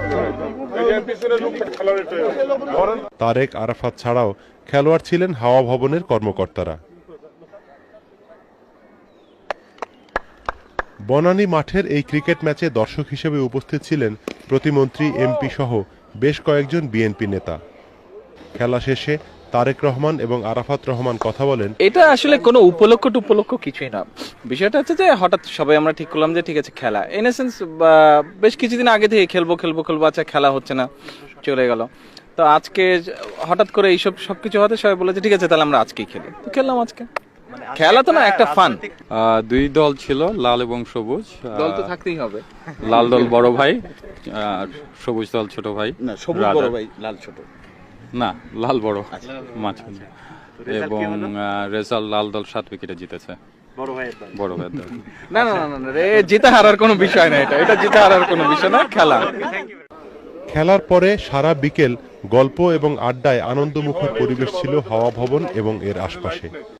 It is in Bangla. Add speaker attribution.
Speaker 1: তারেক আরাফাত ছাড়াও খেলোয়াড় ছিলেন হাওয়া ভবনের কর্মকর্তারা। বনানী মাঠের এই ক্রিকেট ম্যাচে দর্শক হিসেবে উপস্থিত ছিলেন প্রতিমন্ত্রী, এমপি সহ বেশ কয়েকজন বিএনপি নেতা। খেলা শেষে তারেক রহমান এবং আরাফাত রহমান কথা বলেন,
Speaker 2: এটা আসলে কোনো উপলক্ষ কিছুই না। বিষয়টা হচ্ছে যে হঠাৎ সবাই আমরা ঠিক করলাম যে ঠিক আছে খেলা, ইন এ সেন্স বেশ কিছুদিন আগে থেকে খেলবো, আচ্ছা খেলা হচ্ছে না, চলে গেল। তো আজকে হঠাৎ করে এইসব সবকিছু হতে সবাই বলে যে ঠিক আছে তাহলে আমরা আজকেই খেলি, তো খেললাম আজকে। খেলা তো না, একটা ফান।
Speaker 3: দুই দল ছিল, লাল এবং সবুজ।
Speaker 2: দল তো থাকতেই হবে।
Speaker 3: লাল দল বড় ভাই আর সবুজ দল ছোট ভাই।
Speaker 2: না, সবুজ বড় ভাই, লাল ছোট।
Speaker 3: না, লাল বড় মাঝ। এবং রেজাল্ট লাল দল 7 উইকেটে জিতেছে। বড় ভাইয়ের দল।
Speaker 2: না, জিতে হারার কোনো বিষয় না, এটা জিতে হারার কোনো বিষয় না, খেলা।
Speaker 1: খেলার পরে সারা বিকেল গল্প এবং আড্ডায় আনন্দমুখর পরিবেশ ছিল হাওয়া ভবন এবং এর আশপাশে।